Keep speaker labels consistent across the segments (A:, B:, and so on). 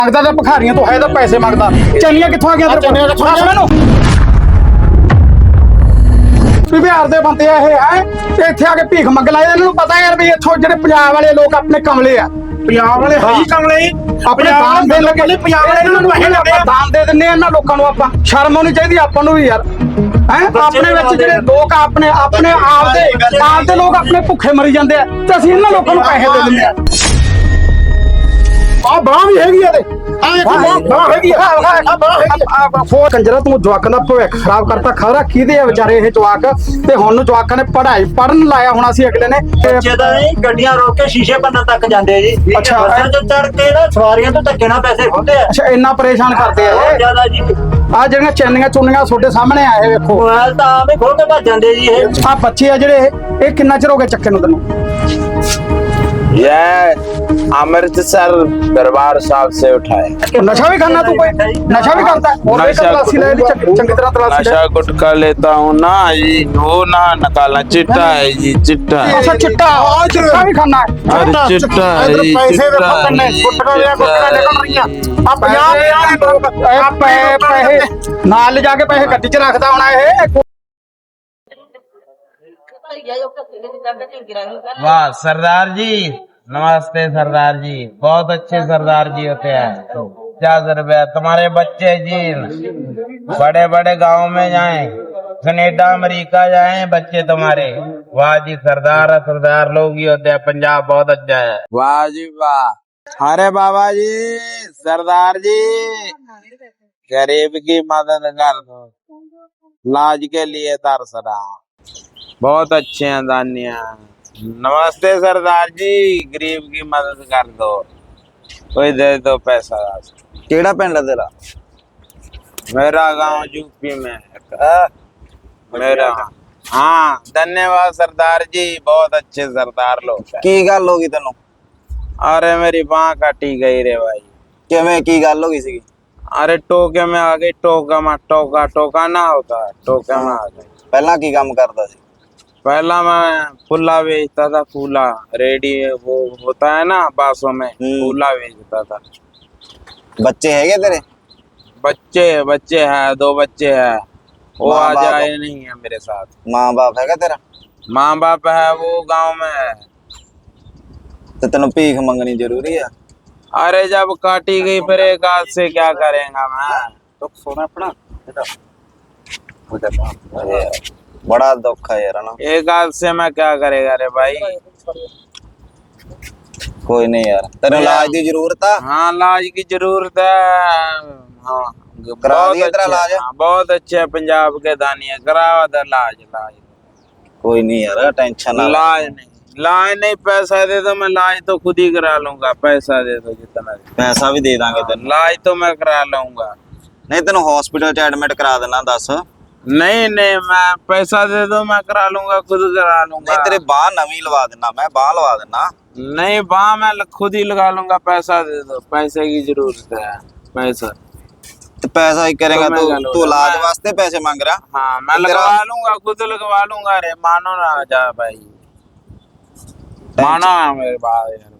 A: ਮੰਗਦਾ ਤਾਂ ਭਿਖਾਰੀਆਂ ਤੋਂ ਹੈ ਤਾਂ ਪੈਸੇ ਮੰਗਦਾ। ਚੈਨੀਆਂ ਕਿੱਥੋਂ ਆ ਗਿਆ ਤੇਰੇ ਕੋਲ? ਦੱਸ ਮੈਨੂੰ। ਵੀ ਬਿਹਾਰ ਦੇ ਬੰਦੇ ਆ ਇਹ ਹੈ ਤੇ ਇੱਥੇ ਆ ਕੇ ਭੀਖ ਮੰਗ ਲਾਏ। ਇਹਨਾਂ ਨੂੰ ਪਤਾ ਯਾਰ ਵੀ ਇੱਥੋਂ ਜਿਹੜੇ ਪੰਜਾਬ ਵਾਲੇ ਲੋਕ ਆਪਣੇ ਕਮਲੇ ਆ।
B: ਪੰਜਾਬ ਵਾਲੇ ਹੈ ਹੀ ਕਮਲੇ
A: ਆਪਣੇ ਦਾਨ ਦੇਣ ਲੱਗੇ।
B: ਪੰਜਾਬ ਵਾਲੇ ਇਹਨਾਂ ਨੂੰ ਪੈਸੇ ਦਿੰਦੇ ਆ।
A: ਦਾਨ ਦੇ ਦਿੰਦੇ ਆ ਇਹਨਾਂ ਲੋਕਾਂ ਨੂੰ। ਆਪਾਂ ਸ਼ਰਮ ਆਉਣੀ ਚਾਹੀਦੀ ਆਪਾਂ ਨੂੰ ਵੀ ਯਾਰ। ਹੈ ਆਪਣੇ ਵਿੱਚ ਜਿਹੜੇ ਲੋਕ ਆਪਣੇ ਆਪ ਦੇ ਲੋਕ ਆਪਣੇ ਭੁੱਖੇ ਮਰੀ ਜਾਂਦੇ ਆ ਤੇ ਅਸੀਂ ਇਹਨਾਂ ਲੋਕਾਂ ਨੂੰ ਪੈਸੇ ਦੇ ਦਿੰਦੇ ਆ। ਆ ਬਾਹ ਵੀ ਹੈਗੀ ਆ ਤੇ ਬਾਹ ਹੈਗੀ ਆ। ਫੋਰ ਕੰਜਰਾ ਤੂੰ ਜਵਾਕਾਂ ਦਾ ਭਵਿੱਖ ਖਰਾਬ ਕਰਤਾ। ਖਰਾ ਕਿਹਦੇ ਆ ਵਿਚਾਰੇ ਇਹ ਜਵਾਕ। ਤੇ ਹੁਣ ਨੂੰ ਜਵਾਕਾਂ ਨੇ ਪੜਨ ਲਾਇਆ ਹੋਣਾ ਸੀ ਅਗਲੇ ਨੇ।
C: ਬੱਚੇ ਤਾਂ ਨਹੀਂ ਗੱਡੀਆਂ ਰੋਕ ਕੇ ਸ਼ੀਸ਼ੇ ਭੰਨਣ ਤੱਕ ਜਾਂਦੇ ਆ ਜੀ।
A: ਅੱਛਾ।
C: ਬੱਸਾਂ ਤੋਂ ਚੜ ਕੇ ਨਾ ਸਵਾਰੀਆਂ ਤੋਂ ਧੱਕੇ ਨਾਲ ਪੈਸੇ ਖੁੰਦੇ ਆ।
A: ਅੱਛਾ ਇੰਨਾ ਪਰੇਸ਼ਾਨ ਕਰਦੇ ਆ
C: ਬਹੁਤ
A: ਇਹ।
C: ਜ਼ਿਆਦਾ ਜੀ।
A: ਆ ਜਿਹੜੀਆਂ ਚੈਨੀਆਂ ਚੁੰਨੀਆਂ ਤੁਹਾਡੇ ਸਾਹਮਣੇ ਆ ਇਹ ਵੇਖੋ।
C: ਮੋਬਾਈਲ ਤਾਂ ਆਵੇਂ ਖੋਲ ਕੇ ਭੱਜ ਜਾਂਦੇ ਜੀ ਇਹ।
A: ਆ ਬੱਚੇ ਆ ਜਿਹੜੇ ਇਹ ਕਿੰਨਾ ਚਿਰ ਹੋ ਗਿਆ ਚੱਕੇ ਨੂੰ ਤੈਨੂੰ?
D: यह अमृतसर दरबार साहब से उठाए।
A: नशा भी करना तू? कोई नशा भी करता है? और
D: नशा
A: तलाशी ले ली, चंगी तरह तलाशी ले।
D: नशा गुटखा लेता हूँ ना जी, वो ना निकालना। चिट्टा है जी, चिट्टा है।
A: अच्छा चिट्टा चिट्टा भी खाना है?
D: अरे चिट्टा है जी,
A: पैसे
D: चिट्टा
A: देखो
D: है
A: कितने
D: जी,
A: गुटखा या
D: चिट्टा
A: गुटखा
D: है
A: निकल रही
D: जी।
A: है। अब 50 पैसे नाल ले जाके पैसे गड्डी च रखदा होना ये।
D: वाह सरदार जी, नमस्ते सरदार जी। बहुत अच्छे सरदार जी होते हैं। 50 रुपया तुम्हारे बच्चे जी बड़े बड़े गांव में जाएं, कनेडा अमेरिका जाएं बच्चे तुम्हारे। वाह जी सरदार लोग ही होते हैं। पंजाब बहुत अच्छा है। वाह जी वाह। अरे बाबा जी सरदार जी गरीब की मदद कर दो, लाज के लिए तरसना। बहुत अच्छे हैं दानिया। नमस्ते सरदार जी, गरीब की मदद कर दो, कोई दे दो पैसा।
E: केड़ा पिंड है तेरा?
D: मेरा गांव यूपी में है। मेरा हाँ धन्यवाद सरदार जी, बहुत अच्छे सरदार लोग हैं।
E: की गल हो गई तेनों?
D: अरे मेरी बांह काटी गई रे भाई।
E: किवें की गल हो गई सी?
D: अरे टोके में आ गई। टोका ना होता है, टोके में आ गई।
E: पहला की काम करदा सी?
D: पहला मैं फूला बेचता था। फूला रेडी वो होता है ना बासों में, फूला बेचता था।
E: बच्चे हैगे तेरे?
D: बच्चे हैं, 2 बच्चे हैं। वो
E: माँ
D: आ
E: बाप?
D: जाए नहीं है मेरे साथ।
E: माँ बाप हैगा तेरा?
D: माँ बाप है वो गांव में है।
E: तो तेनों भीख मंगनी जरूरी है?
D: अरे जब काटी गई फिर एक हाथ से क्या करेगा मैं।
C: तो सोना अपना
E: अरे बड़ा दुख है यार ना।
D: एक हाथ से मैं क्या करेगा रे भाई।
E: कोई नहीं यार, तेरे इलाज की जरूरत है?
D: हाँ इलाज की जरूरत है। हाँ
E: करा
D: बहुत
E: दिया तेरा
D: अच्छे-
E: इलाज?
D: हाँ, बहुत अच्छे है पंजाब के दानिया। करावा था इलाज।
E: कोई नहीं यार, टेंशन ना ले।
D: इलाज नहीं पैसा दे दो, मैं इलाज तो खुद ही करा लूंगा। पैसा दे दो जितना दे।
E: पैसा भी दे देंगे तेन।
D: इलाज तो मैं करा लूंगा।
E: नहीं तेन हॉस्पिटल च एडमिट करा देना। दस
D: नहीं मैं पैसा दे दो, मैं करा लूंगा, खुद करा लूंगा।
E: नहीं तेरे बाह नवी लवा देना, मैं बाह लवा देना।
D: नहीं बाह मैं खुद ही लगा लूंगा। पैसा दे दो, पैसे की जरूरत है। पैसा
E: तो पैसा ही करेगा
D: तो मैं
E: तो
D: करूंगा।
E: तू इलाज वास्ते पैसे मांग रहा?
D: हाँ मैं
E: तेरा-
D: लगवा लूंगा, खुद लगवा लूंगा। अरे मानो ना जा भाई, मानो ना मेरे बात यार।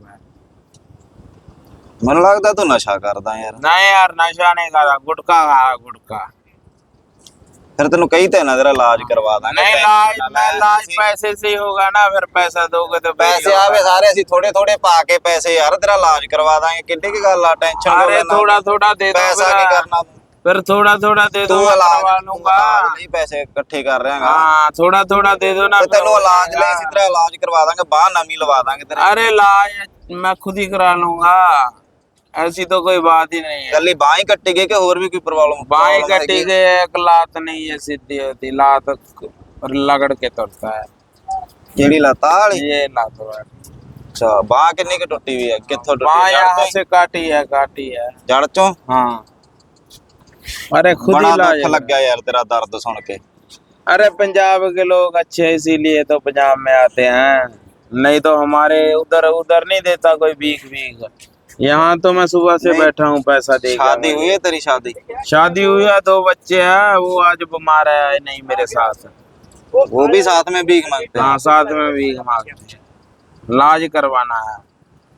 E: मैंने लगता तू नशा करदा यार।
D: नहीं यार नशा नहीं करा, गुटखा खाया गुटखा।
E: फिर तेन कही तो ना तेरा इलाज करवा देंगे।
D: नहीं इलाज पैसे से ही होगा ना। फिर पैसा दोगे तो
E: पैसे आवे सारे ਅਸੀਂ ਥੋੜੇ ਥੋੜੇ ਪਾ ਕੇ ਪੈਸੇ ਯਾਰ ਤੇਰਾ ਇਲਾਜ ਕਰਵਾ ਦਾਂਗੇ। ਕਿੱਡੀ ਕੀ ਗੱਲ ਆ, ਟੈਨਸ਼ਨ
D: अरे थोड़ा दे दो।
E: ਪੈਸਾ ਕੀ ਕਰਨਾ ਤੂੰ?
D: फिर थोड़ा दे दो,
E: ਤੂੰ
D: मैं
E: ਇਲਾਜ
D: करवा लूंगा।
E: ਨਹੀਂ ਪੈਸੇ ਇਕੱਠੇ ਕਰ ਰਿਹਾ ਹੈਗਾ।
D: हाँ थोड़ा दे दो ना।
E: ਤੇ ਤੈਨੂੰ ਇਲਾਜ ਲਈ ਅਸੀਂ ਤੇਰਾ ਇਲਾਜ ਕਰਵਾ ਦਾਂਗੇ, ਬਾਹ ਨਵੀਂ ਲਵਾ ਦਾਂਗੇ ਤੇਰੇ।
D: अरे इलाज मैं खुद ही करा लूंगा, ऐसी तो कोई बात ही नहीं है।
E: ਗੱਲੀ ਬਾਹ ਹੀ ਕੱਟੀ ਗਈ ਕਿ ਹੋਰ ਵੀ ਕੋਈ ਪ੍ਰੋਬਲਮ?
D: बाई कटी गई, एक लात नहीं है सीधी होती, लात लगड़ के तुरता है।
E: ਕਿਹੜੀ ਲੱਤ ਵਾਲੀ?
D: ये लात वाली।
E: ਅੱਛਾ ਬਾਹ ਕਿੰਨੀ ਕਿ ਟੁੱਟੀ ਹੋਈ ਹੈ? ਕਿੱਥੋਂ ਟੁੱਟੀ?
D: बाँ
E: ਜੜ
D: यहाँ
E: ਤੋਂ?
D: से काटी है।
E: ਜੜ ਚੋਂ?
D: हाँ अरे खुद ही
E: ਬੜਾ
D: इलाज
E: ਦੁੱਖ ਲੱਗਿਆ ਯਾਰ ਤੇਰਾ ਦਰਦ ਸੁਣ ਕੇ।
D: अरे पंजाब के लोग अच्छे हैं, इसीलिए तो पंजाब में आते हैं। नहीं तो हमारे उधर नहीं देता कोई भीख। यहाँ तो मैं सुबह से बैठा हूँ पैसा दे।
E: शादी हुई है तेरी?
D: शादी हुई है, 2 बच्चे हैं। वो आज बीमार है नहीं मेरे साथ।
E: वो भी साथ में भीख मांगते हैं?
D: हाँ साथ में भीख मांगते हैं। इलाज करवाना है।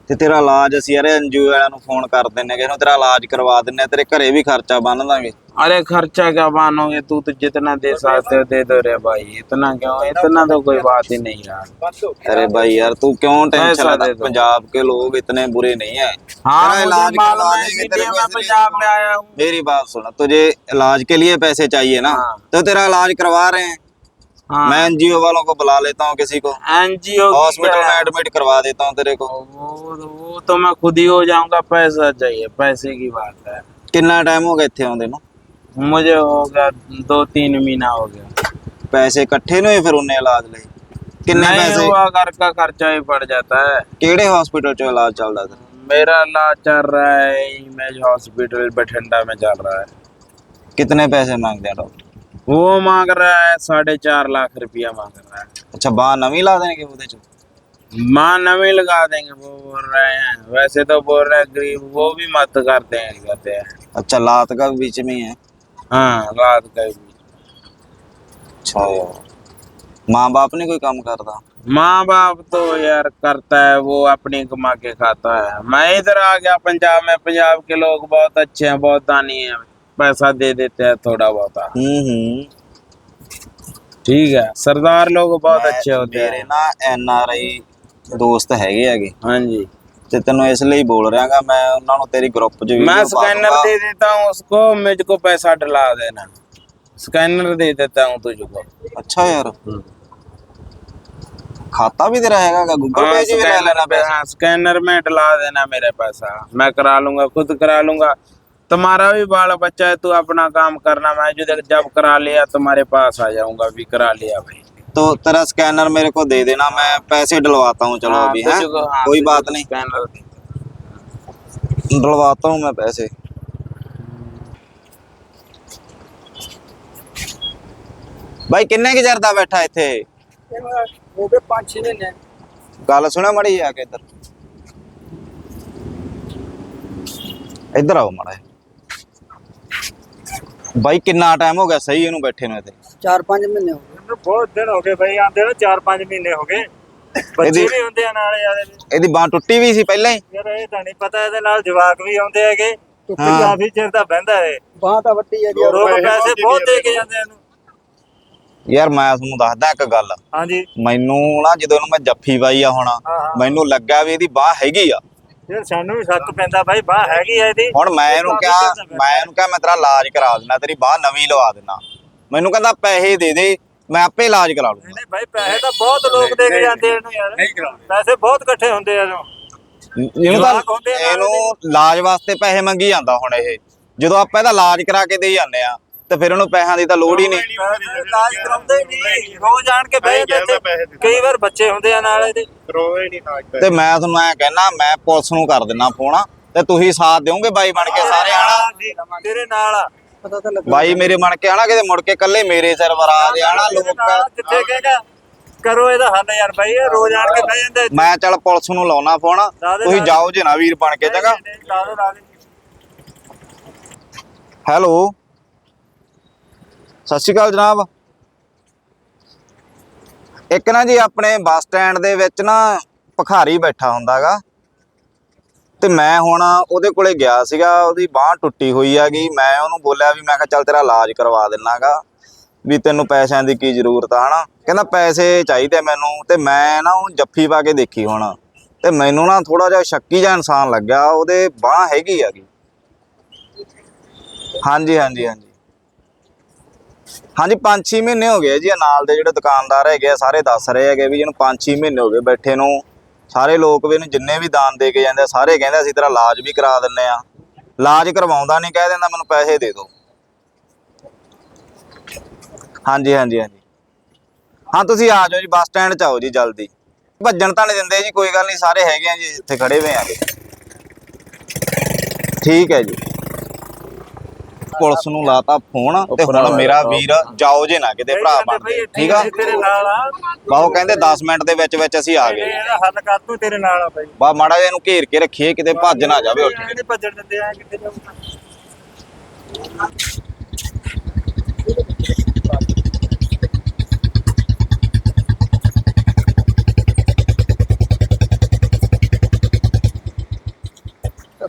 E: ਤੇ ਤੇਰਾ ਇਲਾਜ ਅਸੀਂ ਯਾਰ ਐਨਜੀਓ ਵਾਲਿਆਂ ਨੂੰ ਫੋਨ ਕਰ ਦਿੰਨੇ ਕਿ ਤੇਰਾ ਇਲਾਜ ਕਰਵਾ ਦਿੰਨੇ ਆ, ਤੇਰੇ ਘਰੇ ਵੀ ਖਰਚਾ ਬੰਨ ਦਾਂਗੇ।
D: अरे खर्चा क्या मानोगे, तू तो जितना दे सकते हो दे दो रे भाई, इतना क्यों, इतना तो कोई बात ही नहीं यार।
E: अरे भाई यार तू क्यों टेंशन
D: पैसा
E: लेता,
D: दे दो।
E: पंजाब के लोग इतने बुरे नहीं है।
D: हाँ
E: तेरा
D: मुझे
E: इलाज
D: मालूम
E: करवा
D: है,
E: देंगे,
D: इसीलिए
E: तेरे को
D: मैं
E: इसलिए-
D: पंजाब में आया हूँ।
E: मेरी बात सुन, तुझे इलाज के लिए पैसे चाहिए ना,
D: हाँ।
E: तो तेरा इलाज करवा रहे हैं।
D: हाँ
E: मैं एनजीओ वालों को बुला लेता हूँ, किसी को
D: एनजीओ
E: हॉस्पिटल में एडमिट करवा देता हूँ तेरे को।
D: वो तो मैं खुद ही हो जाऊंगा, पैसा चाहिए, पैसे की बात है।
E: कितना टाइम हो गया इत्थे आउंदे नूं?
D: मुझे हो गया 2-3 महीना हो गया।
E: पैसे इकट्ठे नहीं होए फिर उन्हें इलाज ਲਈ? किन्ने
D: नहीं
E: पैसे?
D: हुआ, घर का खर्चा ही पड़ जाता है।
E: ਕਿਹੜੇ हॉस्पिटल चो इलाज चलदा तेरा?
D: मेरा इलाज चल रहा है इमेज हॉस्पिटल बठिंडा में चल रहा है।
E: कितने पैसे मांगते हैं डॉक्टर?
D: वो मांग रहा है 4.5 लाख रुपया मांग रहा है।
E: अच्छा बांह नवी ला देंगे ਉਹਦੇ ਚ?
D: माँ नवी लगा देंगे वो बोल रहे हैं, वैसे तो बोल रहे हैं गरीब वो भी मत करते हैं, कहते हैं।
E: अच्छा लात का भी बीच में ही है?
D: हाँ रात का भी।
E: अच्छा यार माँ बाप नहीं कोई काम करता?
D: माँ बाप तो यार करता है, वो अपनी कमा के खाता है। मैं इधर आ गया पंजाब में, पंजाब के लोग बहुत अच्छे हैं, बहुत दानी हैं, पैसा दे देते हैं थोड़ा बहुत। ठीक है, सरदार लोग बहुत अच्छे होते
E: ਮੇਰੇ
D: हैं।
E: ਨਾ ਐਨਆਰਆਈ ਦੋਸਤ ਹੈਗੇ ਹੈਗੇ
D: हाँ जी,
E: ਤੇ ਤੈਨੂੰ ਇਸ ਲਈ ਬੋਲ ਰਿਹਾਗਾ, ਮੈਂ ਉਹਨਾਂ ਨੂੰ ਤੇਰੀ ਗਰੁੱਪ 'ਚ
D: मैं
E: ਵੀਡੀਓ ਪਾ
D: स्कैनर
E: ਦੂੰਗਾ।
D: दे देता हूँ उसको, मुझको पैसा डला देना, स्कैनर दे देता हूँ तुझको।
E: अच्छा यार खाता भी तेरा हैगा, गूगल पे से भी ले लेना पैसा।
D: हाँ, स्कैनर में डला देना मेरे पैसा, मैं करा लूंगा, खुद करा लूंगा। तुम्हारा भी बाल बच्चा है, तू अपना काम करना, मैं जो जब करा लिया तुम्हारे पास आ जाऊंगा, भी करा लिया भाई।
E: तो तेरा स्कैनर मेरे को दे देना, मैं पैसे डलवाता हूँ। चलो
D: हाँ,
E: अभी है
D: तुझको- हाँ,
E: कोई
D: तुझको
E: बात नहीं,
D: स्कैनर दे।
E: डलवाता हूँ मैं पैसे। भाई किन्ने की चरदा बैठा इत्थे?
C: ਹੋ ਗਏ 5-6 ਮਹੀਨੇ।
E: गल सुना मड़ी आके इधर इधर आओ माड़ा। भाई कितना टाइम हो गया सही ਇਹਨੂੰ ਬੈਠੇ ਨੂੰ ਇੱਥੇ?
C: 4-5 ਮਹੀਨੇ ਹੋ ਗਏ।
B: ਮੈਨੂੰ ਬਹੁਤ ਦਿਨ ਹੋ ਗਏ ਬਈ, ਆਂਦੇ ਨੂੰ 4-5 ਮਹੀਨੇ ਹੋ ਗਏ। ਬੱਚੇ ਵੀ ਹੁੰਦੇ ਆ ਨਾਲ ਯਾਰ
E: ਇਹਦੀ ਬਾਂਹ ਟੁੱਟੀ ਵੀ ਸੀ ਪਹਿਲਾਂ ਹੀ?
B: ਯਾਰ ਇਹ ਤਾਂ ਨਹੀਂ ਪਤਾ, ਇਹਦੇ ਨਾਲ ਜਵਾਕ ਵੀ ਆਉਂਦੇ ਹੈਗੇ,
E: ਹਾਂ।
B: ਕਾਫੀ ਚਿਰ ਦਾ ਬਹਿੰਦਾ ਹੈ।
C: ਬਾਹ ਤਾਂ ਵੱਡੀ ਹੈ ਜੀ।
B: ਲੋਕ ਪੈਸੇ ਬਹੁਤ ਦੇ ਕੇ ਜਾਂਦੇ ਇਹਨੂੰ।
E: ਯਾਰ ਮੈਂ ਤੁਹਾਨੂੰ ਦੱਸਦਾ ਇੱਕ ਗੱਲ,
B: ਹਾਂਜੀ
E: ਮੈਨੂੰ ਨਾ ਜਦੋਂ ਇਹਨੂੰ ਮੈਂ ਜੱਫੀ ਪਾਈ ਆ ਹੁਣ,
B: ਹਾਂ।
E: ਮੈਨੂੰ ਲੱਗਾ ਵੀ ਇਹਦੀ ਬਾਂਹ ਹੈਗੀ ਆ।
B: ਯਾਰ ਸਾਨੂੰ ਵੀ ਸ਼ੱਕ ਪੈਂਦਾ ਬਾਈ, ਬਾਹ ਹੈਗੀ ਆ ਇਹਦੀ।
E: ਹੁਣ ਮੈਂ ਇਹਨੂੰ ਕਿਹਾ ਮੈਂ ਤੇਰਾ ਇਲਾਜ ਕਰਾ ਦਿੰਦਾ, ਤੇਰੀ ਬਾਂਹ ਨਵੀਂ ਲਵਾ ਦਿੰਦਾ। ਮੈਨੂੰ ਕਹਿੰਦਾ ਪੈਸੇ ਦੇ ਦੇ, ਮੈਂ ਆਪੇ ਇਲਾਜ ਕਰਾ ਲੂੰਗਾ।
B: ਨਹੀਂ ਬਾਈ ਪੈਸੇ ਤਾਂ ਬਹੁਤ ਲੋਕ ਦੇ ਕੇ ਜਾਂਦੇ ਇਹਨੂੰ ਯਾਰ, ਪੈਸੇ ਬਹੁਤ ਇਕੱਠੇ ਹੁੰਦੇ ਆ ਇਹਨੂੰ।
E: ਇਹਨੂੰ ਤਾਂ
B: ਜਵਾਕ ਹੁੰਦੇ ਆ ਨਾਲ
E: ਇਹਨੂੰ ਇਲਾਜ ਵਾਸਤੇ ਪੈਸੇ ਮੰਗੀ ਜਾਂਦਾ। ਹੁਣ ਇਹ ਜਦੋਂ ਆਪਾਂ ਇਹਦਾ ਇਲਾਜ ਕਰਾ ਕੇ ਦੇ ਜਾਂਦੇ ਆ ਤੇ ਫਿਰ ਉਹਨੂੰ ਪੈਸਿਆਂ ਦੀ ਤਾਂ ਲੋੜ ਹੀ ਨਹੀਂ।
B: ਇਲਾਜ ਕਰਾਉਂਦੇ ਨਹੀਂ, ਰੋਜ਼ ਆਣ ਕੇ ਬਹਿ ਜਾਂਦੇ ਇੱਥੇ। ਕਈ ਵਾਰ ਬੱਚੇ ਹੁੰਦੇ ਆ ਨਾਲ ਇਹਦੇ।
E: ਤੇ ਮੈਂ ਤੁਹਾਨੂੰ ਐ ਕਹਿਣਾ, ਮੈਂ ਪੁਲਿਸ ਨੂੰ ਕਰ ਦਿੰਦਾ ਫੋਨ, ਤੇ ਤੁਸੀਂ ਸਾਥ ਦਿਓਗੇ ਬਾਈ ਬਣ ਕੇ ਸਾਰੇ ਆਣਾ।
B: ਤੇਰੇ ਨਾਲ ਆ।
C: ਪਤਾ ਤਾਂ ਲੱਗਾ।
E: ਬਾਈ ਮੇਰੇ ਬਣ ਕੇ ਆਣਾ, ਕਿਤੇ ਮੁੜ ਕੇ ਕੱਲੇ ਮੇਰੇ ਸਿਰ ਵਰਾ ਦੇ ਆਣਾ ਲੋਕ।
B: ਜਿੱਥੇ ਕਹੇਗਾ ਕਰੋ ਇਹਦਾ ਹੱਲ ਯਾਰ ਬਾਈ, ਇਹ ਰੋਜ਼ ਆਣ ਕੇ ਬਹਿ ਜਾਂਦੇ ਇੱਥੇ।
E: ਮੈਂ ਚੱਲ ਪੁਲਿਸ ਨੂੰ ਲਾਉਣਾ ਫੋਨ, ਤੁਸੀਂ ਜਾਓ ਜੇ ਨਾ ਵੀਰ ਬਣ ਕੇ ਜਗਾ।
B: ਲਾ ਦਿਓ, ਲਾ ਦਿਓ।
E: ਹੈਲੋ ਸਤਿ ਸ਼੍ਰੀ ਅਕਾਲ ਜਨਾਬ। ਇੱਕ ਨਾ ਜੀ ਆਪਣੇ ਬੱਸ ਸਟੈਂਡ ਦੇ ਵਿੱਚ ਨਾ ਭਿਖਾਰੀ ਬੈਠਾ ਹੁੰਦਾਗਾ, ਤੇ ਮੈਂ ਹੁਣ ਉਹਦੇ ਕੋਲੇ ਗਿਆ ਸੀਗਾ। ਉਹਦੀ ਬਾਂਹ ਟੁੱਟੀ ਹੋਈ ਹੈਗੀ। ਮੈਂ ਉਹਨੂੰ ਬੋਲਿਆ ਵੀ ਮੈਂ ਕਿਹਾ ਚੱਲ ਤੇਰਾ ਇਲਾਜ ਕਰਵਾ ਦਿੰਨਾਗਾ, ਵੀ ਤੈਨੂੰ ਪੈਸਿਆਂ ਦੀ ਕੀ ਜ਼ਰੂਰਤ ਆ ਹਨਾ। ਕਹਿੰਦਾ ਪੈਸੇ ਚਾਹੀਦੇ ਮੈਨੂੰ। ਤੇ ਮੈਂ ਨਾ ਉਹਨੂੰ ਜੱਫੀ ਪਾ ਕੇ ਦੇਖੀ ਹੁਣ, ਤੇ ਮੈਨੂੰ ਨਾ ਥੋੜਾ ਜਿਹਾ ਸ਼ੱਕੀ ਜਿਹਾ ਇਨਸਾਨ ਲੱਗਿਆ। ਉਹਦੇ ਬਾਂਹ ਹੈਗੀ ਹੈਗੀ। ਹਾਂਜੀ ਹਾਂਜੀ ਹਾਂਜੀ ਹਾਂਜੀ 5-6 ਮਹੀਨੇ ਹੋ ਗਏ ਜੀ। ਨਾਲ ਦੇ ਜਿਹੜੇ ਦੁਕਾਨਦਾਰ ਹੈਗੇ ਆ ਸਾਰੇ ਦੱਸ ਰਹੇ ਹੈਗੇ ਵੀ ਇਹਨੂੰ 5-6 ਮਹੀਨੇ ਹੋ ਗਏ ਬੈਠੇ ਨੂੰ। ਸਾਰੇ ਲੋਕ ਵੀ ਇਹਨੂੰ ਜਿੰਨੇ ਵੀ ਦਾਨ ਦੇ ਕੇ ਜਾਂਦੇ ਆ ਸਾਰੇ ਕਹਿੰਦੇ ਅਸੀਂ ਤੇਰਾ ਇਲਾਜ ਵੀ ਕਰਾ ਦਿੰਨੇ ਆ। ਇਲਾਜ ਕਰਵਾਉਂਦਾ ਨਹੀਂ, ਕਹਿ ਦਿੰਦਾ ਮੈਨੂੰ ਪੈਸੇ ਦੇ ਦਿਓ। ਹਾਂਜੀ ਹਾਂਜੀ ਹਾਂਜੀ ਹਾਂ ਤੁਸੀਂ ਆ ਜਾਓ ਜੀ, ਬੱਸ ਸਟੈਂਡ 'ਚ ਆਓ ਜੀ ਜਲਦੀ। ਭੱਜਣ ਤਾਂ ਨਹੀਂ ਦਿੰਦੇ ਜੀ, ਕੋਈ ਗੱਲ ਨਹੀਂ, ਸਾਰੇ ਹੈਗੇ ਆ ਜੀ ਇੱਥੇ ਖੜੇ ਹੋਏ ਆਗੇ। ਠੀਕ ਹੈ ਜੀ। ਪੁਲਿਸ ਨੂੰ ਲਾਤਾ ਫੋਨ, ਤੇ ਹੁਣ ਮੇਰਾ ਵੀਰ ਜਾਓ ਜੇ ਨਾ ਕਿਤੇ ਭਰਾ ਬਣ ਕੇ, ਠੀਕ ਆ।
B: ਤੇਰੇ ਨਾਲ ਆ।
E: ਬਾਹੋ ਕਹਿੰਦੇ 10 ਮਿੰਟ ਦੇ ਵਿੱਚ ਵਿੱਚ ਅਸੀਂ ਆ ਗਏ।
B: ਇਹਦਾ ਹੱਲ ਕਰ ਤੂੰ, ਤੇਰੇ ਨਾਲ ਆ ਬਾਈ।
E: ਬਾ ਮਾੜਾ ਜਿਹਾ ਇਹਨੂੰ ਘੇਰ ਕੇ ਰੱਖੀਏ, ਕਿਤੇ ਭੱਜ ਨਾ ਜਾਵੇ ਉੱਠ ਕੇ।
B: ਨਹੀਂ ਭੱਜਣ ਦਿੰਦੇ ਆ, ਕਿੱਥੇ ਜਾਊਗਾ।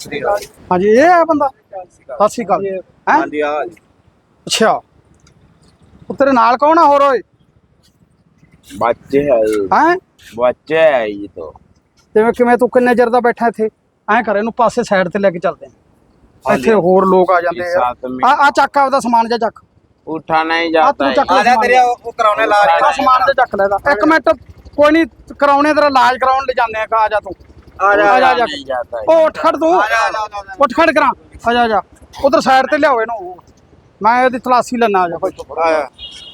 A: ਹਾਂਜੀ ਇਹ ਹੈ ਬੰਦਾ। ਸਤਿ ਸ਼੍ਰੀ ਅਕਾਲ। ਹੈਂ?
E: ਹਾਂਜੀ ਆ
A: ਅੱਛਾ ਉਹ ਤੇਰੇ ਨਾਲ ਕੌਣ ਆ ਹੋਰ ਓਏ?
D: बच्चे है ये,
A: ਹੈਂ
D: बच्चे है ये तो।
A: ਤੇ ਕਿਵੇਂ ਤੂੰ ਕਿੰਨੇ ਚਿਰ ਦਾ ਬੈਠਾ ਇੱਥੇ? ਐਂ ਕਰ ਇਹਨੂੰ ਪਾਸੇ ਸਾਈਡ ਤੇ ਲੈ ਕੇ ਚੱਲਦੇ ਆ। ਇੱਥੇ ਹੋਰ ਲੋਕ ਆ ਜਾਂਦੇ ਆ।
D: साथ में
A: ਆ ਚੱਕ ਆਪਦਾ ਸਮਾਨ ਜਿਹਾ ਚੱਕ।
D: उठा नहीं
A: ਆ
D: जाता
A: ਤੂੰ
D: है।
A: ਚੱਕ
E: ਆ
A: ਲੈ
E: ਜਾ
A: ਸਮਾਨ
E: ਤੇਰੇ ਉਹ ਕਰਾਉਣੇ ਇਲਾਜ
A: ਆਹ ਸਮਾਨ ਤੇ ਚੱਕ ਲੈਦਾ। ਇੱਕ ਮਿੰਟ ਕੋਈ ਨਹੀਂ ਕਰਾਉਣੇ ਤੇਰਾ ਇਲਾਜ ਕਰਾਉਣ ਲੈ ਜਾਂਦੇ ਆ। ਆ ਜਾ ਤੂੰ
E: ਆ ਜਾ
A: ਆ ਜਾ
D: नहीं जाता है।
A: ਉਹ ਉੱਠ ਖੜ ਤੂੰ
E: ਆ ਜਾ
A: ਉੱਠ ਖੜ ਕਰਾਂ। ਆ ਜਾ ਆ ਜਾ ਉਧਰ ਸਾਈਡ ਤੇ ਲਿਆਓ ਇਹਨੂੰ। ਮੈਂ ਇਹਦੀ ਤਲਾਸ਼ੀ ਲੈਣਾ। ਆ ਜਾ ਭਾਈ।
E: ਆ ਜਾ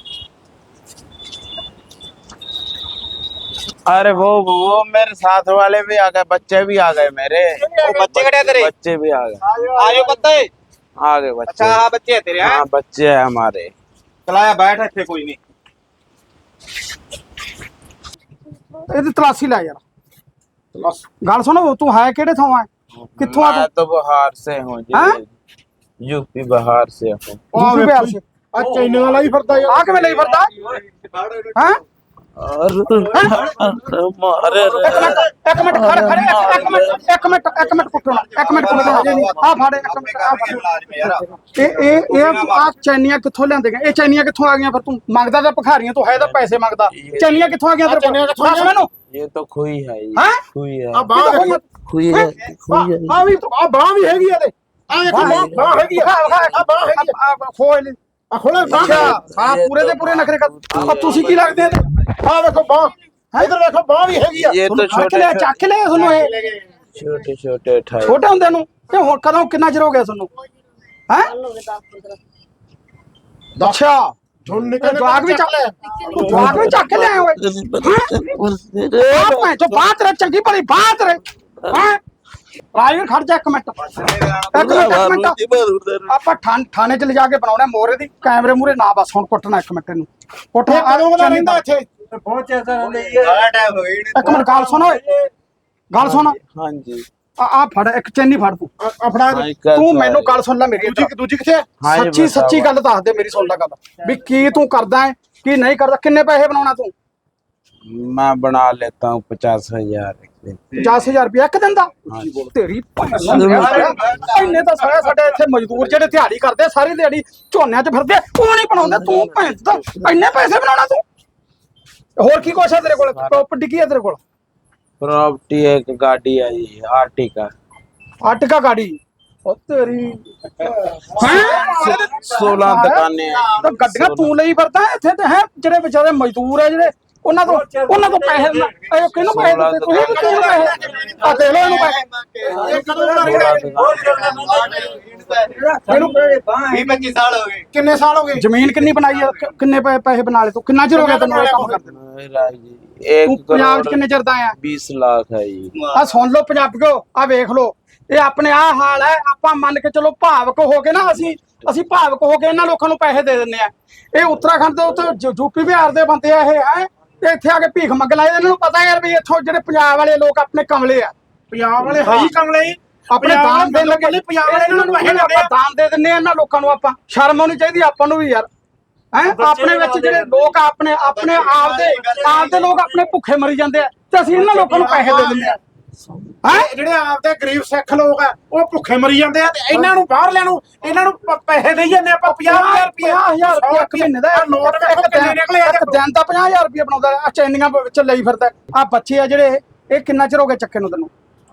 D: अरे वो मेरे साथ वाले भी आ गए, बच्चे भी आ गए मेरे।
E: ਉਹ ਬੱਚੇ ਕਿਹੜੇ ਆ ਤੇਰੇ?
D: बच्चे भी आ गए,
E: ਆ ਜਾਓ ਪੱਤੇ।
D: आ गए बच्चे।
E: ਅੱਛਾ ਆ ਬੱਚੇ ਆ ਤੇਰੇ ਹੈ?
D: हाँ बच्चे है हमारे।
E: ਚਲਾਇਆ ਬੈਠ ਇੱਥੇ ਕੋਈ ਨਹੀਂ।
A: ਇਹਦੀ ਤਲਾਸ਼ੀ ਲੈ ਯਾਰ। ਗੱਲ ਸੁਣੋ ਤੂੰ ਹੈ ਕਿਹੜੇ ਥਾਂ ਆ? ਕਿੱਥੋਂ ਆ
D: मैं
A: ਤੂੰ?
D: तो बिहार से हूँ
A: हाँ?
D: जी, यूपी बिहार से हूँ।
A: ਯੂਪੀ ਬਿਹਾਰ ਸੇ।
C: ਆ ਚੈਨੀ ਵਾਲਾ ਹੀ ਫਿਰਦਾ ਯਾਰ।
A: ਆ ਕਿਵੇਂ ਲਈ ਫਿਰਦਾ? ਹੈ
D: और मारे
A: ਇੱਕ ਮਿੰਟ ਖੜ ਖੜੇ ਇੱਕ ਮਿੰਟ ਕੁੱਟਣਾ। ਇੱਕ ਮਿੰਟ ਕੁੱਟਣਾ। ਆ ਫੜ ਇੱਕ ਮਿੰਟ ਆ ਫੜ। ਇਹ ਆ ਚੈਨੀਆਂ ਕਿੱਥੋਂ ਲਿਆਂਦੇ ਗਏ? ਇਹ ਚੈਨੀਆਂ ਕਿੱਥੋਂ ਆ ਗਈਆਂ ਫਿਰ? ਤੂੰ ਮੰਗਦਾ ਤਾਂ ਭਿਖਾਰੀਆਂ ਤੋਂ ਹੈ ਤਾਂ ਪੈਸੇ ਮੰਗਦਾ। ਚੈਨੀਆਂ ਕਿੱਥੋਂ ਆ ਗਈਆਂ ਤੇਰੇ ਕੋਲ? ਦੱਸ ਮੈਨੂੰ।
D: ये तो खुई है ये,
A: हाँ?
D: खुई
C: ਆ
D: है,
C: ਬਾਹ ਦੇਖੀ।
D: खुई है, खुई है।
C: ਆ ਵੀ ਆ ਬਾਹ ਵੀ ਹੈਗੀ ਆ ਤੇ। ਆ ਦੇਖੋ ਬਾਹ ਹੈਗੀ ਆ। ਆ ਬਾਹ ਹੈਗੀ ਆ।
A: ਖੋਲ।
C: ਆ ਖੋਲੇ ਬਾਹ।
A: ਅੱਛਾ ਹਾਂ ਪੂਰੇ ਦੇ ਪੂਰੇ ਨਖਰੇ ਕਰ। ਤੁਸੀਂ ਕੀ ਲੱਗਦੇ ਆ?
C: ਆ ਦੇਖੋ ਬਾਹ। ਇਧਰ ਦੇਖੋ ਬਾਹ ਵੀ ਹੈਗੀ ਆ।
D: ये तो छोटे
A: ਚੱਕ ਲਿਆ ਤੁਹਾਨੂੰ ਇਹ
D: छोटे छोटे ठाई।
A: ਛੋਟੇ ਹੁੰਦੇ ਨੂੰ। ਤੇ ਹੁਣ ਕਦੋਂ ਕਿੰਨਾ ਚਿਰ ਹੋ ਗਿਆ ਤੁਹਾਨੂੰ? ਹੈ ਅੱਛਾ
C: ਝੁੰਡ ਨਿਕਲ
A: ਜਵਾਕ ਵੀ ਚੱਕ ਲਿਆ। ਜਵਾਕ ਵੀ ਚੱਕ ਲਿਆ ਓਏ। ਮੈਂ ਜੋ ਬਾਤ ਰੇ ਚੰਗੀ ਭਲੀ ਬਾਤ ਰੇ। ਹੈ ਰਾਜਵੀਰ ਖੜ ਜਾ ਇੱਕ ਮਿੰਟ। ਆਪਾਂ ਥਾਣੇ ਚ ਲਿਜਾ ਕੇ ਬਣਾਉਣਾ ਮੋਰੇ ਦੀ। ਕੈਮਰੇ ਮੂਰੇ ਨਾ ਬਸ ਹੁਣ ਕੁੱਟਣਾ। ਇੱਕ ਮਿੰਟ ਇਹਨੂੰ ਕੁੱਟ।
C: ਇਹ ਕਦੋਂ ਦਾ ਰਹਿੰਦਾ ਇੱਥੇ?
B: ਬਹੁਤ ਚਿਰ ਦਾ ਰਹਿੰਦੇ ਜੀ।
E: ਸਾਰਾ ਟਾਈਮ ਹੋ ਗਿਆ
A: ਇੱਕ ਮਿੰਟ ਗੱਲ ਸੁਣ ਓਏ। ਗੱਲ ਸੁਣ।
D: हाँ जी।
A: ਆ ਫੜ ਇੱਕ ਚੈਨੀ ਫੜ ਤੂੰ।
C: ਆ ਫੜਾ
D: हाँ, कर
A: ਤੂੰ
D: दो
A: ਮੈਨੂੰ
D: है।
A: ਗੱਲ ਸੁਣ ਲੈ ਮੇਰੀ।
C: ਦੂਜੀ ਕਿੱਥੇ ਆ?
D: हाँ जी,
A: ਸੱਚੀ
D: बताओ।
A: ਸੱਚੀ ਗੱਲ ਦੱਸ ਦੇ। ਮੇਰੀ ਸੁਣ ਲੈ ਗੱਲ ਵੀ ਕੀ ਤੂੰ ਕਰਦਾ ਹੈ ਕੀ ਨਹੀਂ ਕਰਦਾ। ਕਿੰਨੇ ਪੈਸੇ ਬਣਾਉਣਾ ਤੂੰ?
D: मैं बना लेता हूँ 50,000।
A: 50,000 ਰੁਪਇਆ ਇੱਕ ਦਿਨ ਦਾ? ਤੇਰੀ ਇੰਨੇ ਤਾਂ ਸਾਰੇ ਸਾਡੇ ਇੱਥੇ ਮਜ਼ਦੂਰ ਜਿਹੜੇ ਦਿਹਾੜੀ ਕਰਦੇ ਸਾਰੀ ਦਿਹਾੜੀ ਝੋਨਿਆਂ 'ਚ ਫਿਰਦੇ ਉਹ ਨਹੀਂ ਬਣਾਉਂਦੇ। ਤੂੰ ਭੈਣ ਦਾ ਇੰਨੇ ਪੈਸੇ ਬਣਾਉਣਾ ਤੂੰ? ਹੋਰ ਕੀ ਕੁਛ ਹੈ ਤੇਰੇ ਕੋਲ? ਪ੍ਰਾਪਰਟੀ ਕੀ ਹੈ ਤੇਰੇ ਕੋਲ?
D: प्रॉपर्टी एक गाड़ी है जी, आर्टिका।
A: ਆਟਕਾ ਗਾੜੀ। ਉਹ ਤੇਰੀ
D: 16 दुकानें हैं।
A: ਤਾਂ ਗੱਡੀਆਂ ਤੂੰ ਲਈ ਫਿਰਦਾ ਇੱਥੇ ਤੇ ਹੈ ਜਿਹੜੇ ਵਿਚਾਰੇ ਮਜ਼ਦੂਰ ਹੈ ਜਿਹੜੇ ਉਹਨਾਂ ਤੋਂ ਪੈਸੇ ਇਹ ਕਿਹਨੂੰ ਪੈਸੇ ਦਿੱਤੇ ਤੁਸੀਂ? ਕਿਹਨੂੰ ਪੈਸੇ? ਆ ਦੇ ਲੋ ਇਹਨੂੰ ਪੈਸੇ।
C: ਇਹ ਕਦੋਂ ਦਾ ਰਹਿੰਦਾ?
E: ਇਹਨੂੰ 20-25 ਸਾਲ ਹੋ ਗਏ।
C: ਕਿੰਨੇ ਸਾਲ ਹੋ ਗਏ?
A: ਜ਼ਮੀਨ ਕਿੰਨੀ ਬਣਾਈ ਆ? ਕਿੰਨੇ ਪੈਸੇ ਬਣਾ ਲਏ ਤੂੰ? ਕਿੰਨਾ ਚਿਰ ਹੋ ਗਿਆ ਤੈਨੂੰ ਇਹ ਕੰਮ ਕਰਦੇ ਨੂੰ?
D: मेरा जी 1
A: ਤੂੰ ਪੰਜਾਬ 'ਚ
D: करोड़
A: ਕਿੰਨੇ ਚਿਰ ਦਾ ਆਇਆ?
D: 20 लाख है जी।
A: ਆ ਸੁਣ ਲਓ ਪੰਜਾਬੀਓ। ਆ ਵੇਖ ਲਓ ਇਹ ਆਪਣੇ ਆ ਹਾਲ ਹੈ। ਆਪਾਂ ਮੰਨ ਕੇ ਚਲੋ ਭਾਵਕ ਹੋ ਕੇ ਨਾ ਅਸੀਂ ਭਾਵਕ ਹੋ ਕੇ ਇਹਨਾਂ ਲੋਕਾਂ ਨੂੰ ਪੈਸੇ ਦੇ ਦਿੰਦੇ ਆ। ਇਹ ਉੱਤਰਾਖੰਡ ਦੇ ਉੱਤੇ ਯੂਪੀ ਬਿਹਾਰ ਦੇ ਬੰਦੇ ਆ ਇਹ ਹੈ ਤੇ ਇੱਥੇ ਆ ਕੇ ਭੀਖ ਮੰਗ ਲਾਏ। ਇਹਨਾਂ ਨੂੰ ਪਤਾ ਯਾਰ ਵੀ ਇੱਥੋਂ ਜਿਹੜੇ ਪੰਜਾਬ ਵਾਲੇ ਲੋਕ ਆਪਣੇ ਕਮਲੇ ਆ।
C: ਪੰਜਾਬ ਵਾਲੇ ਹੈ ਹੀ ਕਮਲੇ ਹੀ।
A: ਆਪਣੇ ਦਾਨ ਦੇਣ ਲੱਗੇ
C: ਪੰਜਾਬ ਵਾਲੇ ਇਹਨਾਂ ਨੂੰ
A: ਇਹਨਾਂ ਆਪਾਂ ਦਾਨ ਦੇ ਦਿੰਦੇ ਆ ਇਹਨਾਂ ਲੋਕਾਂ ਨੂੰ। ਆਪਾਂ ਸ਼ਰਮ ਆਉਣੀ ਚਾਹੀਦੀ ਆਪਾਂ ਨੂੰ ਵੀ ਯਾਰ। ਹੈ ਆਪਣੇ ਵਿੱਚ ਜਿਹੜੇ ਲੋਕ ਆਪਣੇ ਆਪਦੇ ਲੋਕ ਆਪਣੇ ਭੁੱਖੇ ਮਰੀ ਜਾਂਦੇ ਆ ਤੇ ਅਸੀਂ ਇਹਨਾਂ ਲੋਕਾਂ ਨੂੰ ਪੈਸੇ ਦੇ ਦਿੰਦੇ ਆ।
C: ਜਿਹੜੇ ਆਪਦੇ ਗਰੀਬ ਸਿੱਖ ਲੋਕ ਆ ਉਹ ਭੁੱਖੇ ਮਰੀ ਜਾਂਦੇ ਆ ਤੇ ਇਹਨਾਂ ਨੂੰ ਬਾਹਰ ਲੈਣ ਨੂੰ ਇਹਨਾਂ ਨੂੰ ਪੈਸੇ ਦੇਈ ਜਾਂਦੇ ਆਪਾਂ 50,000 ਰੁਪਏ
A: 50,000 ਇੱਕ ਮਹੀਨੇ ਦਾ
C: ਨੋਟ ਵੇਖੋ ਕਿੰਨੇ ਨਿਕਲੇ ਆ।
A: ਇੱਕ ਦਿਨ ਦਾ 50,000 ਰੁਪਏ ਬਣਾਉਂਦਾ। ਆ ਚੈਨੀਆਂ ਵਿੱਚ ਲਈ ਫਿਰਦਾ। ਆ ਬੱਚੇ ਆ ਜਿਹੜੇ ਇਹ ਕਿੰਨਾ ਚਿਰ ਹੋ ਗਿਆ ਚੱਕੇ ਨੂੰ ਤੈਨੂੰ?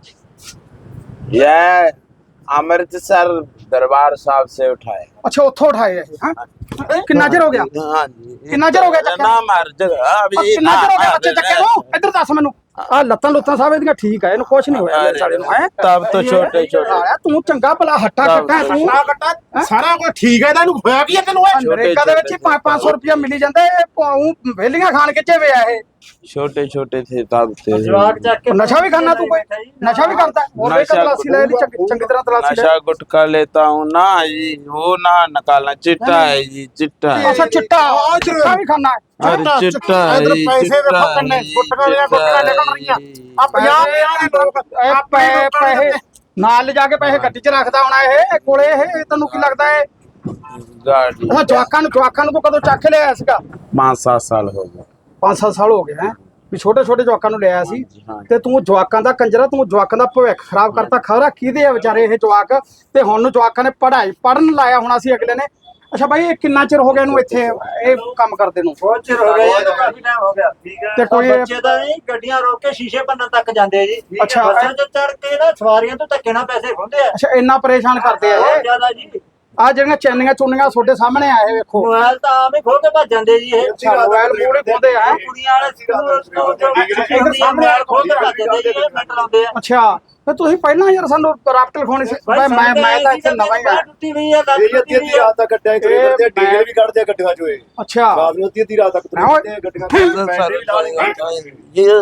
D: यह अमृतसर दरबार साहब से उठाए।
A: ਅੱਛਾ ਉੱਥੋਂ ਉਠਾਏ ਇਹ। ਹਾਂ ਕਿੰਨਾ ਚਿਰ ਹੋ ਗਿਆ?
D: हाँ जी।
A: कितना चਿਰ हो गया चक्के?
D: नाम हर जगह अभी
A: ਕਿੰਨਾ ਚਿਰ ਹੋ ਗਿਆ ਬੱਚੇ ਚੱਕੇ ਨੂੰ? ਇੱਧਰ ਦੱਸ ਮੈਨੂੰ। ਆ ਲੱਤਾਂ ਸਾਹਿਬ ਇਹਦੀਆਂ ਠੀਕ ਆ। ਇਹਨੂੰ ਕੁਛ ਨਹੀਂ ਹੋਇਆ ਮੇਰੇ ਸਾਲੇ ਨੂੰ। ਹੈ
D: तब तो छोटे छोटे
A: ਤੂੰ ਚੰਗਾ ਭਲਾ ਹੱਟਾ ਕੱਟਾ ਤੂੰ।
C: ਨਾ ਕੱਟਾ ਸਾਰਾ ਕੁਝ ਠੀਕ ਹੈ। ਇਹਨੂੰ ਹੋਇਆ ਕੀ ਹੈ ਤੈਨੂੰ?
A: ਅਮਰੀਕਾ ਦੇ ਵਿੱਚ 500 ਰੁਪਇਆ ਮਿਲੀ ਜਾਂਦਾ। ਇਹ ਵੇਲੀਆਂ ਖਾਣ ਕਿੱਥੇ ਵੇ ਆ ਇਹ?
D: छोटे छोटे थे तब थे।
B: ਜਵਾਕ ਚੱਕ ਕੇ
A: ਨਸ਼ਾ ਵੀ ਖਾਣਾ ਤੂੰ? ਕੋਈ ਨਸ਼ਾ ਵੀ ਕਰਦਾ? ਹੋਰ ਵੇਖ ਤਲਾਸ਼ੀ ਲੈ ਲਈ ਚੰਗੀ ਤਰ੍ਹਾਂ ਤਲਾਸ਼ੀ ਲੈ।
D: नशा गुटखा लेता हूँ ना जी, वो ना निकालना। चिट्टा है जी, चिट्टा है।
A: ਅੱਛਾ ਚਿੱਟਾ ਵੀ ਖਾਣਾ?
D: अरे चिट्टा है
C: ਇਧਰ
D: जी,
C: ਪੈਸੇ
D: चिट्टा
C: ਵੇਖੋ
D: है
C: ਕਿੰਨੇ
D: जी,
C: ਗੁੱਟਕਾਂ ਦੀਆਂ
D: चिट्टा
C: ਗੁੱਟਕਾਂ
D: है
C: ਨਿਕਲ ਰਹੀਆਂ
D: जी।
C: ਆ 50 ਦੇ ਲੋਕ
A: ਪੈਸੇ ਨਾਲ ਲਿਜਾ ਕੇ ਪੈਸੇ ਗੱਡੀ 'ਚ ਰੱਖਦਾ ਹੋਣਾ ਇਹ ਕੋਲੇ। ਇਹ ਤੈਨੂੰ ਕੀ ਲੱਗਦਾ ਹੈ?
D: गाड़ी
A: ਜਵਾਕਾਂ ਨੂੰ ਤੂੰ ਕਦੋਂ ਚੱਕ ਲਿਆ ਸੀਗਾ?
D: 5-7 साल हो गए।
A: 5-7 ਸਾਲ ਹੋ ਗਏ ਹੈ। ਵੀ ਛੋਟੇ ਛੋਟੇ ਜਵਾਕਾਂ ਨੂੰ ਲਿਆਇਆ ਸੀ ਤੇ ਤੂੰ ਜਵਾਕਾਂ ਦਾ ਕੰਜਰਾ, ਤੂੰ ਜਵਾਕਾਂ ਦਾ ਭਵਿੱਖ ਖਰਾਬ ਕਰਤਾ। ਖਬਰਾਂ ਕਿਹਦੇ ਆ ਵਿਚਾਰੇ ਇਹ ਜਵਾਕ, ਤੇ ਹੁਣ ਨੂੰ ਜਵਾਕਾਂ ਨੇ ਪੜਨ ਲਾਇਆ ਹੋਣਾ ਸੀ ਅਗਲੇ ਨੇ। ਅੱਛਾ ਬਾਈ, ਇਹ ਕਿੰਨਾ ਚਿਰ ਹੋ ਗਿਆ ਇਹਨੂੰ ਇੱਥੇ ਇਹ ਕੰਮ ਕਰਦੇ ਨੂੰ?
B: ਬਹੁਤ ਚਿਰ ਹੋ ਗਿਆ ਜੀ, ਕਾਫੀ ਟਾਈਮ ਹੋ ਗਿਆ।
A: ਤੇ ਕੋਈ
B: ਬੱਚੇ ਤਾਂ ਨਹੀਂ ਗੱਡੀਆਂ ਰੋਕ ਕੇ ਸ਼ੀਸ਼ੇ ਭੰਨਣ ਤੱਕ ਜਾਂਦੇ ਆ ਜੀ।
A: ਅੱਛਾ।
B: ਬੱਸਾਂ 'ਚ ਚੜ ਕੇ ਨਾ ਸਵਾਰੀਆਂ ਤੋਂ ਧੱਕੇ ਨਾਲ ਪੈਸੇ ਖੁੰਦੇ ਆ।
A: ਅੱਛਾ, ਇੰਨਾ ਪਰੇਸ਼ਾਨ ਕਰਦੇ ਆ
B: ਬਹੁਤ
A: ਇਹ।
B: ਜ਼ਿਆਦਾ ਜੀ।
A: ਆ ਜਿਹੜੀਆਂ ਚੈਨੀਆਂ ਚੁੰਨੀਆਂ ਤੁਹਾਡੇ ਸਾਹਮਣੇ ਆਏ ਵੇਖੋ,
B: ਮੋਬਾਈਲ ਤਾਂ ਆਮ ਹੀ ਖੋ ਕੇ ਭੱਜ ਜਾਂਦੇ ਜੀ ਇਹ।
A: ਮੋਬਾਈਲ ਪੂਰੇ ਖੋਦੇ ਆ।
B: ਕੁੜੀਆਂ ਵਾਲੇ ਸਕੂਲ ਤੋਂ ਮੋਬਾਈਲ ਖੋ ਕੇ ਭੱਜ ਜਾਂਦੇ ਜੀ, ਇਹ ਮਿੰਟ ਲਾਉਂਦੇ ਆ।
A: ਅੱਛਾ, ਤੇ ਤੁਸੀਂ ਪਹਿਲਾਂ ਯਾਰ ਸਾਨੂੰ ਰਾਫਟ ਲਿਖਾਉਣੀ ਸੀ। ਮੈਂ ਤਾਂ ਇੱਥੇ ਨਵਾਂ ਹੀ ਆ।
B: ਟੁੱਟੀ ਹੋਈ ਆ, ਲੱਤ
F: ਇਹ ਅੱਧੀ ਅੱਧੀ ਰਾਤ ਤੱਕ ਗੱਡਿਆਂ ਚ ਕਰਦੇ ਆ, ਡੀਜ਼ਲ ਵੀ ਕੱਢਦੇ ਆ ਗੱਡੀਆਂ ਚੋਂ ਇਹ।
A: ਅੱਛਾ,
F: ਰਾਤ ਨੂੰ ਅੱਧੀ ਅੱਧੀ ਰਾਤ ਤੱਕ ਤੁਰੇ ਫਿਰਦੇ ਆ ਗੱਡੀਆਂ ਚ।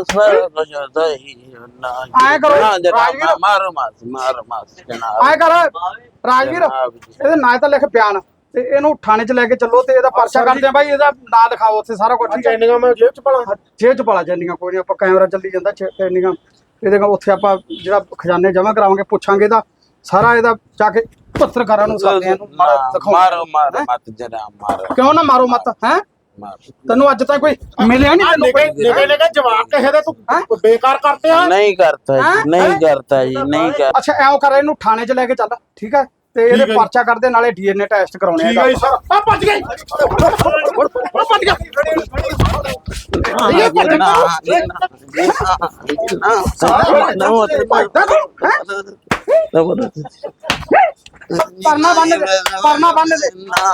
A: ਆਏ ਕਰੋ ਰਾਜਵੀਰ,
D: मारो मास जनाब।
A: ਆਏ ਕਰ ਰਾਜਵੀਰ, ਇਹਦੇ ਨਾਂ ਤਾਂ ਲਿਖ ਬਿਆਨ, ਤੇ ਇਹਨੂੰ ਥਾਣੇ 'ਚ ਲੈ ਕੇ ਚੱਲੋ ਤੇ ਇਹਦਾ ਪਰਚਾ ਕਰਦੇ ਆ ਬਾਈ। ਇਹਦਾ ਨਾਂ ਲਿਖਾਓ ਉੱਥੇ ਸਾਰਾ ਕੁਝ, ਠੀਕ ਹੈ?
C: ਚੈਨੀਆਂ ਮੈਂ ਜੇਬ ਚ ਪਾਲਾਂ।
A: ਜੇਬ 'ਚ ਪਾਲਾ ਚੈਨੀਆਂ, ਕੋਈ ਨਹੀਂ, ਆਪਾਂ ਕੈਮਰਾ ਚੱਲੀ ਜਾਂਦਾ ਚੈਨੀਆਂ ਇਹਦੇ ਕੋਲ। ਉੱਥੇ ਆਪਾਂ ਜਿਹੜਾ ਖਜ਼ਾਨੇ ਜਮ੍ਹਾਂ ਕਰਾਵਾਂਗੇ, ਪੁੱਛਾਂਗੇ ਇਹਦਾ ਸਾਰਾ, ਇਹਦਾ ਜਾ ਕੇ ਪੱਤਰਕਾਰਾਂ ਨੂੰ ਸਾਥ ਇਹਨੂੰ ਮਾਰਾ ਦਿਖਾਓ।
D: मारो मारो मत जनाब मारो
A: ਕਿਉਂ ਨਾ ਮਾਰੋ ਮਤ ਹੈ?
D: मारो।
A: ਤੈਨੂੰ ਅੱਜ ਤੱਕ ਕੋਈ ਮਿਲਿਆ ਨਹੀਂ ਤੈਨੂੰ ਕੋਈ?
C: ਨਿਕੇ ਜਵਾਕ ਕਿਸੇ ਦੇ ਤੂੰ ਬੇਕਾਰ ਕਰਤੇ ਆ।
D: नहीं करता
A: हाँ?
D: जी, नहीं करता जी, नहीं करता।
A: ਅੱਛਾ, ਐਂ ਕਰ, ਇਹਨੂੰ ਥਾਣੇ 'ਚ ਲੈ ਕੇ ਚੱਲ, ਠੀਕ ਹੈ? ਤੇ ਇਹਦੇ
C: ਠੀਕ ਹੈ ਜੀ।
A: ਪਰਚਾ ਕਰਦੇ, ਨਾਲੇ ਡੀਐਨਏ ਟੈਸਟ ਕਰਾਉਣੇ ਆ
C: ਠੀਕ ਹੈ ਜੀ ਸਰ। ਆ ਭੱਜ ਗਈ, ਉਹ ਭੱਜ ਗਿਆ।
A: ਪਰਨਾ ਬੰਨ ਦੇ, ਪਰਨਾ ਬੰਨ ਦੇ।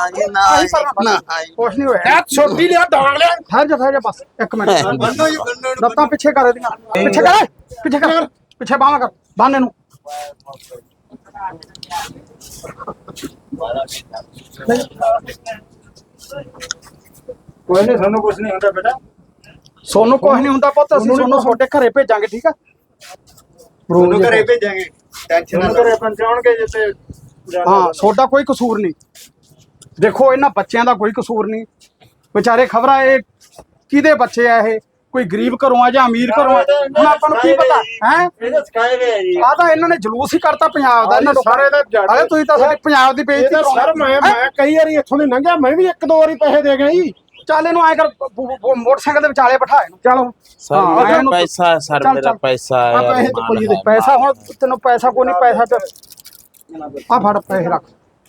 A: ਕੁਛ ਨਹੀਂ ਹੋਇਆ।
C: ਇਹ ਛੋਟੀ ਲਿਆ ਡਾਂਗ ਲਿਆ।
A: ਠਹਿਰ ਜਾ ਬਸ ਇੱਕ ਮਿੰਟ। ਲੱਤਾਂ ਪਿੱਛੇ ਕਰ ਇਹਦੀਆਂ, ਪਿੱਛੇ ਕਰ, ਪਿੱਛੇ ਕਰ, ਪਿੱਛੇ ਬਾਹਾਂ ਕਰ, ਬੰਨ ਇਹਨੂੰ।
B: ਕੋਈ ਨਹੀਂ, ਸਾਨੂੰ ਕੁਝ ਨਹੀਂ ਹੁੰਦਾ ਬੇਟਾ।
A: ਸੋਨੂੰ ਕੁਛ ਨਹੀਂ ਹੁੰਦਾ ਪੁੱਤ, ਅਸੀਂ ਸੋਨੂੰ ਤੁਹਾਡੇ ਘਰੇ ਭੇਜਾਂਗੇ, ਠੀਕ ਆ?
F: ਉਹਨੂੰ ਘਰੇ ਭੇਜਾਂਗੇ, ਟੈਨਸ਼ਨ ਨਾ
B: ਘਰੇ ਪਹੁੰਚਾਉਣਗੇ ਜਿੱਤੇ।
A: ਹਾਂ, ਤੁਹਾਡਾ ਕੋਈ ਕਸੂਰ ਨਹੀਂ। ਦੇਖੋ, ਇਹਨਾਂ ਬੱਚਿਆਂ ਦਾ ਕੋਈ ਕਸੂਰ ਨਹੀਂ ਵਿਚਾਰੇ। ਖਬਰਾਂ ਇਹ ਕਿਹਦੇ ਬੱਚੇ ਆ? ਇਹ ਕੋਈ ਗਰੀਬ ਘਰੋਂ ਆ ਜਾਂ ਅਮੀਰ ਘਰੋਂ ਆ? ਹੁਣ ਆਪਾਂ ਨੂੰ ਕੀ ਪਤਾ ਹੈ?
B: ਇਹਦੇ ਸਿਖਾਏ ਗਏ ਆ ਜੀ।
A: ਆ ਤਾਂ ਇਹਨਾਂ ਨੇ ਜਲੂਸ ਹੀ ਕਰਤਾ ਪੰਜਾਬ ਦਾ। ਇਹਨਾਂ
C: ਸਾਰੇ ਦਾ ਜੱਟ।
A: ਅਰੇ ਤੁਸੀਂ ਤਾਂ ਸਾਡੇ ਪੰਜਾਬ ਦੀ ਬੇਇੱਜ਼ਤੀ
C: ਇਹਦਾ ਸਰ ਮੈਂ ਕਈ ਵਾਰੀ ਇੱਥੋਂ ਦੀ ਲੰਘਿਆ, ਮੈਂ ਵੀ ਇੱਕ ਦੋ ਵਾਰੀ ਪੈਸੇ ਦੇ ਗਿਆ ਜੀ।
A: ਚੱਲ ਇਹਨੂੰ ਐ ਕਰ, ਮੋਟਰਸਾਈਕਲ ਦੇ ਵਿਚਾਲੇ ਬਿਠਾ ਇਹਨੂੰ। ਚਲੋ
D: सर
A: हाँ,
D: मेरा
A: ਇਹਨੂੰ-
D: पैसा है, सर
A: चल,
D: मेरा
A: चल।
D: पैसा
A: ਆ
D: है
A: ਪੈਸੇ ਤੇ ਕੋਈ ਦੇ ਪੈਸਾ, ਹੁਣ ਤੈਨੂੰ ਪੈਸਾ ਕੋਈ ਨਹੀਂ, ਪੈਸਾ ਤੇ ਆ ਫੜ ਪੈਸੇ ਰੱਖ।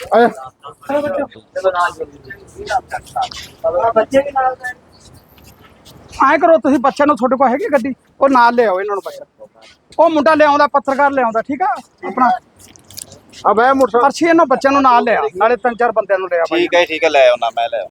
B: ਬੱਚੇ ਵੀ ਨਾਲ ਗਏ।
A: ਐ ਕਰੋ ਤੁਸੀਂ, ਬੱਚਿਆਂ ਨੂੰ ਤੁਹਾਡੇ ਕੋਲ ਹੈਗੀ ਗੱਡੀ, ਉਹ ਨਾਲ ਲਿਆਓ ਇਹਨਾਂ ਨੂੰ ਬੱਚਾ। ਉਹ ਮੁੰਡਾ ਲਿਆਉਂਦਾ, ਪੱਤਰਕਾਰ ਲਿਆਉਂਦਾ, ਠੀਕ ਆ? ਆਪਣਾ
C: ਆ ਬੈ ਮੋਟਰ
A: ਅਰਸ਼ੀ ਇਹਨਾਂ ਬੱਚਿਆਂ ਨੂੰ ਨਾਲ ਲਿਆ, ਨਾਲੇ 3-4 ਬੰਦਿਆਂ ਨੂੰ ਲਿਆ ਬਾਈ।
E: ਠੀਕ ਹੈ ਲੈ ਆਉਣਾ, ਮੈਂ ਲੈ ਆਉਣਾ।